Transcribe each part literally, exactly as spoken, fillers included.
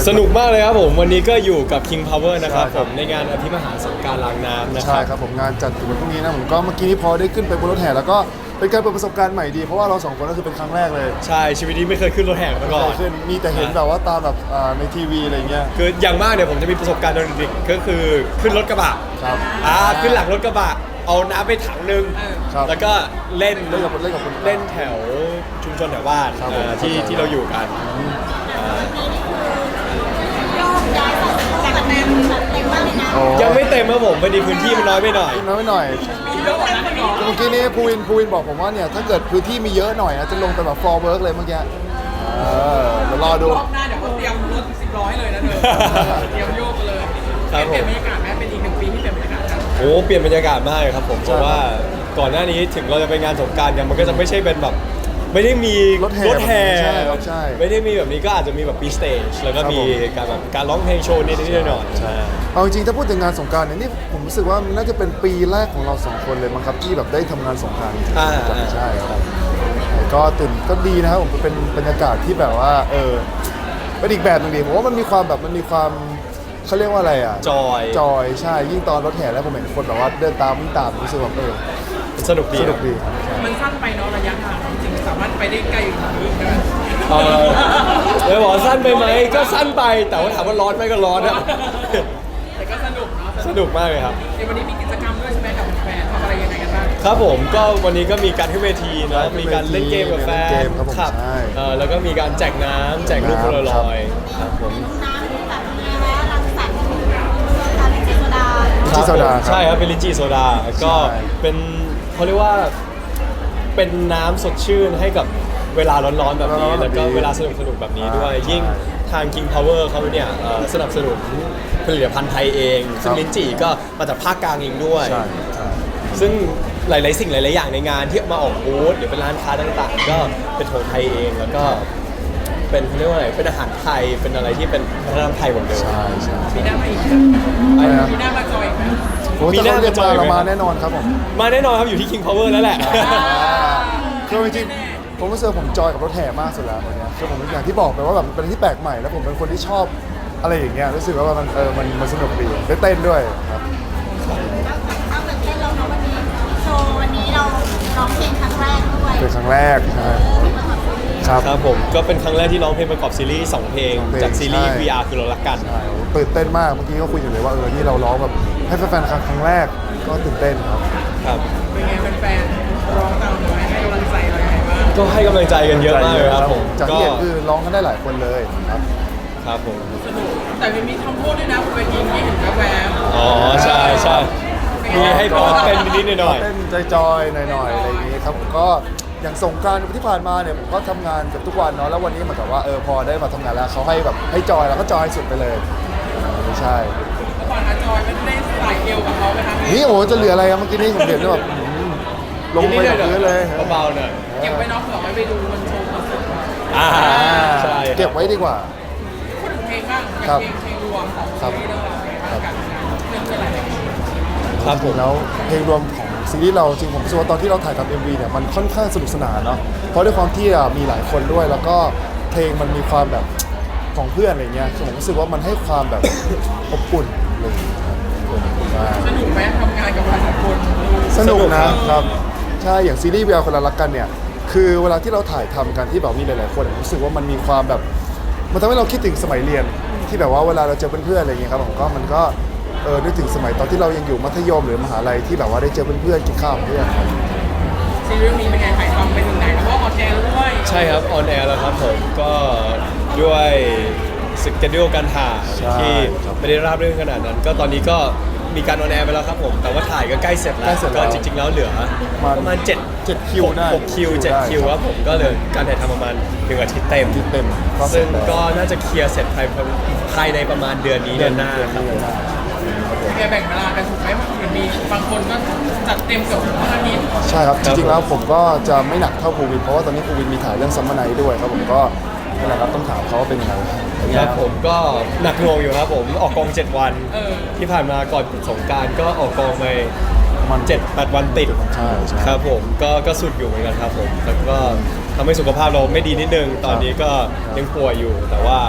สนุกมากเลยครับผมวันนี้ก็อยู่กับ King Power นะครับผมในงานอภิมหาสงกรานต์ล้างน้ำนะครับใช่ครับผมงานจัดถึงวันพรุ่งนี้นะผมก็เมื่อกี้นี้พอได้ขึ้นไปบนรถแห่แล้วก็เป็นการเปิดประสบการณ์ใหม่ดีเพราะว่าเราสองคนก็คือเป็นครั้งแรกเลยใช่ชีวิตนี้ไม่เคยขึ้นรถแห่มาก่อนขึ้นมีแต่เห็นแบบว่าตามแบบในทีวีอะไรเงี้ยคืออย่างมากเนี่ยผมจะมีประสบการณ์ตอนเด็กๆก็คือขึ้นรถกระบะครับอ่าขึ้นหลังรถกระบะเอาน้ำไปถังนึงแล้วก็เล่นเล่นกับเล่นกับคนเล่นแถวชุมชนแถวบ้านที่ที่เราอยู่กันยังไม่เต็มครับผมพอดีพื้นที่มันน้อยไปหน่อยน้อยไปหน่อยเมื่อกี้นี้ภูวินภูวินบอกผมว่าเนี่ยถ้าเกิดพื้นที่มีเยอะหน่อยนะจะลงไปแบบฟอร์เวิร์กเลยเมื่อกี้เออเดี๋ยวรอดูรอบหน้าเดี๋ยวเขาเตรียมรถสิบร้อยเลยนะเธอเตรียมโยกเลยเปลี่ยนบรรยากาศแม้เป็นอีกหนึ่งปีที่เปลี่ยนบรรยากาศครับโอ้เปลี่ยนบรรยากาศมากเลยครับผมเพราะว่าก่อนหน้านี้ถึงเราจะไปงานสงกรานต์กันมันก็จะไม่ใช่เป็นแบบไม่ได้มีรถแห่รถแห่ใช่ครับใช่ไม่ได้มีแบบนี้ก็อาจจะมีแบบปีสเตจแล้วก็มีการแบบการร้องเพลงโชว์นิดๆหน่อยๆใช่เอาจริงๆถ้าพูดถึงงานสงกรานต์เนี่ยนี่ผมรู้สึกว่ามันน่าจะเป็นปีแรกของเราสองคนเลยมั้งครับที่แบบได้ทำงานสงกรานต์อ่าใช่ครับก็ตื่นก็ดีนะครับผมเป็นบรรยากาศที่แบบว่าเออเป็นอีกแบบนึงดีผมว่ามันมีความแบบมันมีความเขาเรียกว่าอะไรอ่ะจอยจอยใช่ยิ่งตอนรถแห่แล้วผมเห็นคนแบบว่าเดินตามวิ่งตามรู้สึกแบบเออสนุกดีสนุกดีมันสั้นไปเนาะระยะทางจริงๆสามารถไปได้ไกลกว่านี้ใช่ไหมเออเลยบอกสั้นไปไหมก็สั้นไปแต่ว่าถามว่าร้อนไหมก็ร้อนอะแต่ก็สนุกเนาะสนุกมากเลยครับในวันนี้มีกิจกรรมด้วยใช่ไหมกับแฟนทำอะไรยังไงกันบ้างครับผมก็วันนี้ก็มีการขึ้นเวทีนะมีการเล่นเกมกับแฟนครับเออแล้วก็มีการแจกน้ำแจกลูกโพลารอยด์ครับผมลินจีโซดาใช่ครับเป็นลินจีโซดาก็เป็นเขาเรียกว่าเป็นน้ำสดชื่นให้กับเวลาร้อนๆแบบนี้แล้วก็เวลาสนุกๆแบบนี้ด้วยยิ่งทาง King Power เขาเนี่ยสนับสนุนผลิตภัณฑ์ไทยเองซึ่งลินจีก็มาจากภาคกลางเองด้วยซึ่งหลายๆสิ่งหลายๆอย่างในงานที่มาออกบูธหรือเป็นร้านค้าต่างๆก็เป็นของไทยเองแล้วก็เป็นเขาเรียกว่าอะไรเป็นอาหารไทยเป็นอะไรที่เป็นวัฒนธรรมไทยหมดเลยใช่ใช่มีหน้ามาอีกมีหน้ามาจอยอีกไหมมีหน้ามาจอยเรามาแน่นอนครับผมมาแน่นอนครับอยู่ที่ King Power แล้วแหละคือจริงๆผมรู้สึกผมจอยกับรถแห่มากสุดแล้ววันนี้คือผมอย่างที่บอกไปว่าแบบเป็นที่แปลกใหม่แล้วผมเป็นคนที่ชอบอะไรอย่างเงี้ยรู้สึกว่ามันเออมันมันสนุกดีได้เต้นด้วยครับเอาแบบเต้นเราเนาะวันนี้โชว์วันนี้เราร้องเพลงครั้งแรกด้วยเป็นครั้งแรกใช่ครับครับผมก็เป็นครั้งแรกที่ร้องเพลงประกอบซีรีส์สองเพลงจากซีรีส์ วี อาร์ คือเรารักกันตื่นเต้นมากเมื่อกี้ก็คุยอยู่เลยว่าเออที่เราร้องแบบให้แฟนๆครั้งแรกก็ตื่นเต้นครับครับเป็นไงแฟนๆร้องตามเลยให้กำลังใจเราอย่างไรบ้างก็ให้กำลังใจกันเยอะมากเลยครับผมจากที่เห็นคือร้องกันได้หลายคนเลยครับครับผมสนุกแต่มีทำโทษด้วยนะเวทีนี้เห็นแวบอ๋อใช่ใช่มีให้ปอเต้นนิดหน่อยเต้นจอยๆหน่อยๆอะไรอย่างนี้ครับผมก็อย่างสงกรานต์ที่ผ่านมาเนี่ยผมก็ทำงานกับทุกวันเนาะแล้ววันนี้เหมือนกับว่าเออพอได้มาทำงานแล้วเขาให้แบบให้จอยแล้วก็จอยสุดไปเลยใช่เมื่อก่อนอาจอยไม่ได้ใส่เอวกับเขาไหมครับนี่โอ้จะเหลืออะไรครับเมื่อกี้นี่ผมเห็นแบบลงไปกับพื้นเลยเบาๆหน่อยเก็บไว้น้องเผื่อไว้ไปดูมันโชว์คอนเสิร์ตอ่าใช่เก็บไว้ดีกว่าพูดถึงเพลงบ้างอย่างเพลงเพลงรวมของซีรีส์เรื่องเราเพลงกันเรื่องอะไรครับผมแล้วเพลงรวมของซีรีส์เราจริงผมรู้สึกว่าตอนที่เราถ่ายทำ เอ็ม วี เนี่ยมันค่อนข้างสนุกสนานเนาะเพราะด้วยความที่มีหลายคนด้วยแล้วก็เพลงมันมีความแบบของเพื่อนอะไรเงี้ยผมรู้สึกว่ามันให้ความแบบอบอุ่นเลยสนุกไหมทำงานกับหลายคนสนุกนะครับใช่อย่างซีรีส์ วี อาร์ คนละรักกันเนี่ยคือเวลาที่เราถ่ายทำกันที่แบบมีหลายๆคนรู้สึกว่ามันมีความแบบมันทำให้เราคิดถึงสมัยเรียนที่แบบว่าเวลาเราเจอเพื่อนๆอะไรเงี้ยครับผมก็มันก็เออนึกถึงสมัยตอนที่เรายังอยู่มัธยมหรือมหาลัยที่แบบว่าได้เจอเพื่อนๆกินข้าวกับเพื่อนซีรีส์นี้เป็นไงถ่ายทำไปถึงไหนเพราะว่าออนแอร์ด้วยใช่ครับออนแอร์แล้วครับผมก็ด้วยสเกจดูการถ่ายที่ไม่ได้ราบเรื่องขนาดนั้นก็ตอนนี้ก็มีการออนแอร์ไปแล้วครับผมแต่ว่าถ่ายก็ใกล้เสร็จแล้วก็จริงๆแล้วเหลือประมาณเจ็ดเจ็ดคิวได้หกคิวเจ็ดคิวครับผมก็เลยการถ่ายทำประมาณหนึ่งอาทิตย์เต็มเต็มซึ่งก็น่าจะเคลียร์เสร็จภายภายในประมาณเดือนนี้เดือนหน้าครับแกแบ่งเวลากันถูกไหมมีบางคนก็จัดเต็มกับทุกอาทิตย์ใช่ครับจริงๆแล้วผมก็จะไม่หนักเท่าภูวินเพราะว่าตอนนี้ภูวินมีถ่ายเรื่องซัมเมอร์ไนท์ด้วยครับผมก็นี่แหละครับต้องถามเขาว่าเป็นยังไงครับผมก็หนักหน่วงอยู่ครับผมออกกองเจ็ดวันที่ผ่านมาก่อนสงกรานต์ก็ออกกองไปมันเจ็ดแปดวันติดใช่ครับผมก็ก็สุดอยู่เหมือนกันครับผมแล้วก็ทำให้สุขภาพเราไม่ดีนิดนึงตอนนี้ก็ยังป่วยอยู่แต่ว่า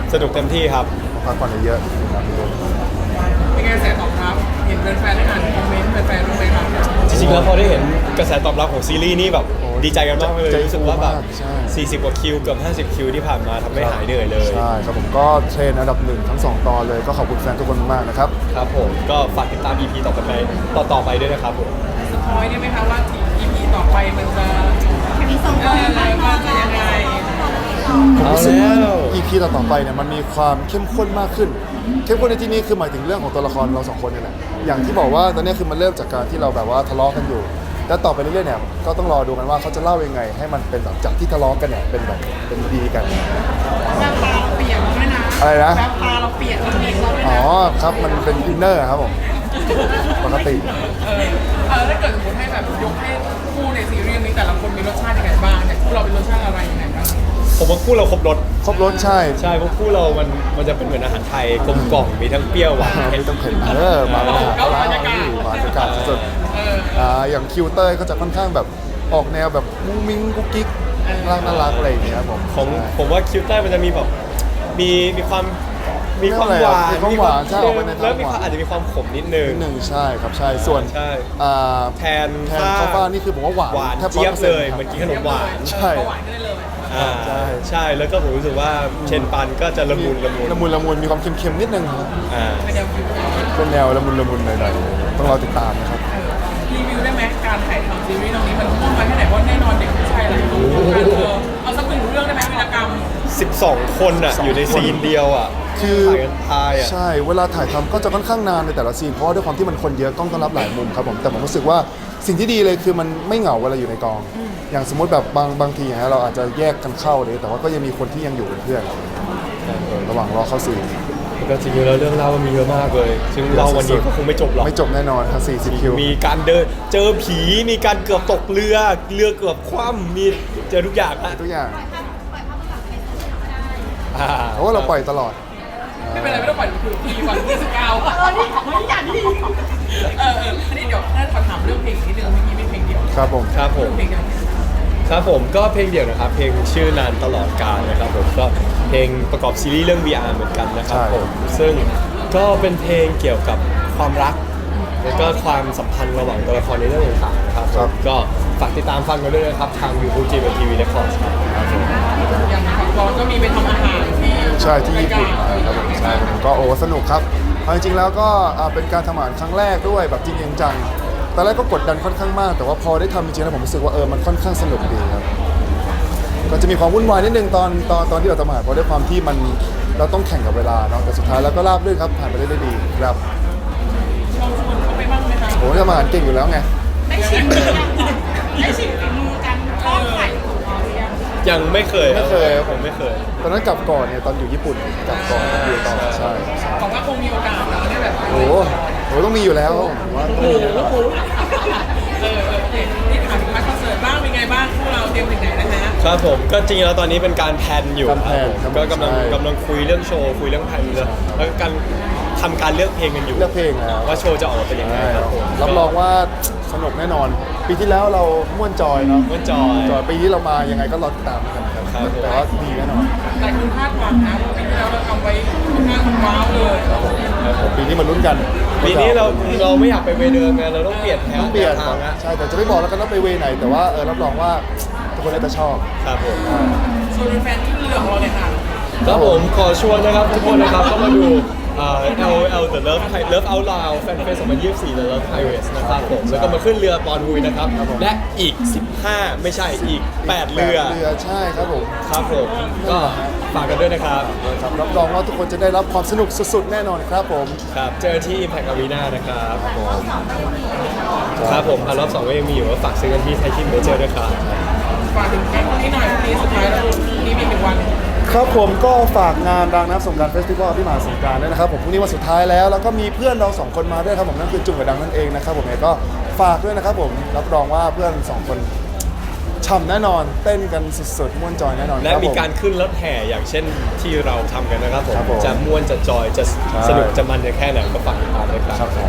สนุกเต็มที่ครับพักผ่อนเยอะๆครับเป็นไงกระแสตอบรับเห็นแฟนๆได้อ่านคอมเมนต์แฟนๆบ้างไหมครับจริงๆแล้วพอได้เห็นกระแสตอบรับของซีรีส์นี่แบบดีใจกันมากเลยใจรู้สึกว่าแบบฟูมากใช่สี่สิบกว่าคิวเกือบห้าสิบคิวที่ผ่านมาทำให้หายเหนื่อยเลยใช่ครับผมก็เทรนอันดับหนึ่งทั้งสองตอนเลยก็ขอบคุณแฟนทุกคนมากนะครับครับผมก็ฝากติดตาม อี พี ต่อไปต่อต่อไปด้วยนะครับผมสปอยได้ไหมคะว่า อี พี ต่อไปมันจะมีส่งเอตัวอไปมันจะยังไงผมรู้สึกเอาแล้วอี พี ต่อๆไปเนี่ยมันมีความเข้มข้นมากขึ้น เข้มข้นในที่นี้คือหมายถึงเรื่องของตัวละครเราสองคนนี่แหละอย่างที่บอกว่าตอนนี้คือมันเริ่มจากการที่เราแบบว่าทะเลาะกันอยู่แล้วต่อไปเรื่อยๆเนี่ยก็ต้องรอดูกันว่าเขาจะเล่ายังไง ให้มันเป็นแบบจากที่ทะเลาะกันเนี่ยเป็นแบบเป็นดีกันแววตาเราเปลี่ยนแล้วด้วยนะอะไรนะแววตาเราเปลี่ยนเราเปลี่ยนเราด้วยอ๋นะอครับมันเป็นอินเนอร์ครับผมปกติเออเออถ้าเกิดสมมติให้แบบยกให้คู่ในซีรีส์นี้แต่ละคนมีรสชาติยังไงบ้างเนี่ยคู่เราเป็นรสชาติอะไรยังไงบ้างผมว่าคู่เราครบรสครบรสใช่ใช่เพราะคู่เรามันมันจะเป็นเหมือนอาหารไทยกลมกล่อมมีทั้งเปรี้ยวหวานเผ็ดไม่ต้องเข็นเออมาแล้วมาแล้วมาบรรยากาศสุดเออๆอ่าอย่างคิวเตอร์ก็จะค่อนข้างแบบออกแนวแบบมุ้งมิ้งกุ๊กกิ๊กน่ารักน่ารักอะไรอย่างเงี้ยครับผมของผมว่าคิวใต้มันจะมีแบบมีมีความมีความหวานมีความหวานใช่ออกไปในทางหวานแล้วมีความอาจจะมีความขมนิดนึงนิดหนึ่งใช่ครับใช่ส่วนใช่อ่าแทนแทนข้าวฟ่างนี่คือผมว่าหวานหวานแทบเจี๊ยบ 100% เลยเหมือนกินขนมหวานใช่เบาหวานก็ได้เลยอ่าใช่ใช่แล้วก็ผมรู้สึกว่าเชนปันก็จะละมุนละมุนละมุนละมุนมีความเค็มๆนิดนึงครับอ่าเป็นแนวคิวเป็นแนวละมุนละมุนหน่อยๆต้องรอติดตามนะครับรีวิวได้ไหมการถ่ายทำซีรีส์ตรงนี้มันมุ่งไปแค่ไหนเพราะแน่นอนเด็กผู้ชายหลายคนเอาสักหนึ่งเรื่องได้ไหมวิรกรรมสิบสองคนอ่ะอยู่ในซีนเดียวอ่ะคือถ่ายกันตายอ่ะใช่เวลาถ่ายทำก็จะค่อนข้างนานในแต่ละซีนเพราะว่าด้วยความที่มันคนเยอะกล้องต้องรับหลายมุมครับผมแต่ผมรู้สึกว่าสิ่งที่ดีเลยคือมันไม่เหงาเวลาอยู่ในกอง อย่างสมมติแบบบางบางทีอย่างเงี้ยเราอาจจะแยกกันเข้าเลยแต่ว่าก็ยังมีคนที่ยังอยู่เป็นเพื่อนเออระหว่างรอเข้าซีนก็จริงๆแล้วเรื่องเล่ามันมีเยอะมากเลยซึ่งเราวันนี้ก็คงไม่จบหรอกไม่จบแน่นอนครับ40คิวมีการเดินเจอผีมีการเกือบตกเรือเรือเกือบคว่ำมีเจอทุกอย่างอะทุกอย่างปล่อยภาพปล่อยภาพมากับใครสักคนก็ได้อ่เพราะว่าเราปล่อยตลอดไม่เป็นไรไม่ต้องปล่อยคือปีวันที่สิบเก้าเออนี่ของอย่างนี้เออเอออันนี้เดี๋ยวถ้าขอถามเรื่องเพลงนิดนึงเมื่อกี้มีเพลงเดียวครับผมครับผมเพลงเดียวครับผมก็เพลงเดี่ยวนะครับ เพลงชื่อนานตลอดกาลนะครับผมก็เพลงประกอบซีรีส์เรื่อง วี อาร์ เหมือนกันนะครับผมซึ่งก็เป็นเพลงเกี่ยวกับความรัก แล้วก็ความสัมพันธ์ระหว่างตัวละครในเรื่องต่างๆนะครับผมก็ฝากติดตามฟังกันด้วยนะครับทาง YouTube จี เอ็ม ที วี Records ครับอย่างของบอลก็มีไปทำอาหารที่ใช่ที่ญี่ปุ่นมาครับผมใช่ผมก็โอ้สนุกครับเอาจริงๆแล้วก็อ่าเป็นการทำอาหารครั้งแรกด้วยแบบจริงๆจังตอนแรกก็กดดันค่อนข้างมาก แต่ว่าพอได้ทำจริงๆแล้วผมรู้สึกว่าเออมันค่อนข้างสนุกดีครับก็จะมีความวุ่นวายนิดนึงตอนตอนตอนที่เราทำอาหารเพราะด้วยความที่มันเราต้องแข่งกับเวลาเนาะแต่สุดท้ายแล้วก็ราบรื่นครับผ่านไปได้ด้วยดีครับลองชวนเขาไปบ้างไหมคะโอ้ทำอาหารเก่งอยู่แล้วไงได้ชิมหรือยังได้ชิมฝีมือกันทอดไข่ของเราหรือยังยังไม่เคยไม่เคยผมไม่เคยตอนนั้นกลับก่อนเนี่ยตอนอยู่ญี่ปุ่นกลับก่อนอยู่ต่อใช่บอกว่าคงมีโอกาสนะได้แบบโอ้โหโหต้องมีอยู่แล้วผมว่าต้องมีแน่นอนเออเออโอเคนี่ถามถึงพาร์ทคอนเสิร์ตบ้างเป็นไงบ้างพวกเราเตรียมถึงไหนนะฮะครับผมก็จริงๆแล้วตอนนี้เป็นการแพลนอยู่การแพลนครับผมครับก็กำลังใช่กำลังคุยเรื่องโชว์คุยเรื่องแพลนเลยแล้วก็การทำการเลือกเพลงกันอยู่เลือกเพลงแล้วว่าโชว์จะออกมาเป็นยังไงใช่ครับผมรับรองว่าสนุกแน่นอน ปีที่แล้วเราม่วนจอยเนาะม่วนจอยจอยปีนี้เรามายังไงก็รอติดตามกันครับครับแต่ว่าดีแน่นอนหลายคนคาดหวังนะว่าปีที่แล้วเราทำไว้ค่อนข้างว้าวเลยครับผมครับผมปีนี้มาลุ้นกันปีนี้เราเราไม่อยากไปเวเดิมไงเราต้องเปลี่ยนแถวต้องเปลี่ยนทางนะใช่แต่จะไม่บอกแล้วกันว่าไปเวไหน แต่ว่าเออรับรองว่าทุกคนน่าจะชอบครับผมส่วนแฟนที่เหลือของเราเนี่ยค่ะครับผมขอชวนนะครับทุกคนนะครับก็มาดูเอ่อ แอล แอล The Love Love Out Loud Fan Fest สองพันยี่สิบสี่ The Love Pirates นะครับผมแล้วก็มาขึ้นเรือปอนฮุยนะครับและอีกสิบห้าไม่ใช่อีกแปดเรือแปดเรือใช่ครับผมครับผมก็ฝากกันด้วยนะครับครับรับรองว่าทุกคนจะได้รับความสนุกสุดๆแน่นอนครับผมครับเจอที่ Impact Arena นะครับครับผมอันรอบสองก็ยังมีอยู่ก็ฝากซื้อกันที่ไทยทิมเมเจอร์ด้วยครับฝากถึงแก๊งคนนี้หน่อยพรุ่งนี้สุดท้ายแล้วพรุ่งนี้มีหนึ่งวันครับผมก็ฝากงานรางน้ำสงกรานต์เฟสติวัลที่มหาสงกรานต์ด้วยนะครับผมพรุ่งนี้วันสุดท้ายแล้วแล้วก็มีเพื่อนเราสองคนมาด้วยครับผมนั่นคือจุ่มกับดังนั่นเองนะครับผมเนี่ยก็ฝากด้วยนะครับผมรับรองว่าเพื่อนสองคนฉ่ำแน่นอนเต้นกันสุดๆม่วนจอยแน่นอนและครับผมีการขึ้นรถแห่อย่างเช่นที่เราทำกันนะครับผมครับผมจะม่วนจะจอยจะใช่สนุกจะมันจะแค่ไหนก็ฝากติดตามด้วยคครัรับบ ผม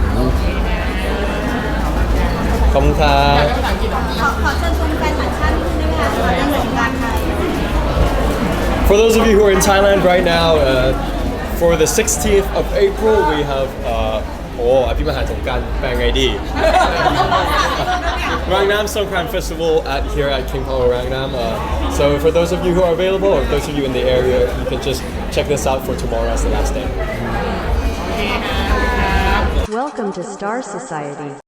ขอบคุณครัอยากบได้ภาษาอังกฤษเหรอขอขอเชิญชวนแฟนต่างชาตินิดนึงได้ไหมคะสำหรับเรื่องสงกรานต์ไทย For those of you who are in Thailand right now, uh, for the sixteenth of April, we have uh, โอ้อภิมหาสงกรานต์แปลงไงดี Rangnam Songkran Festival at here at King Power Rangnam. Uh, so for those of you who are available, or those of you in the area, you can just check this out for tomorrow as the last day. Welcome to Star Society.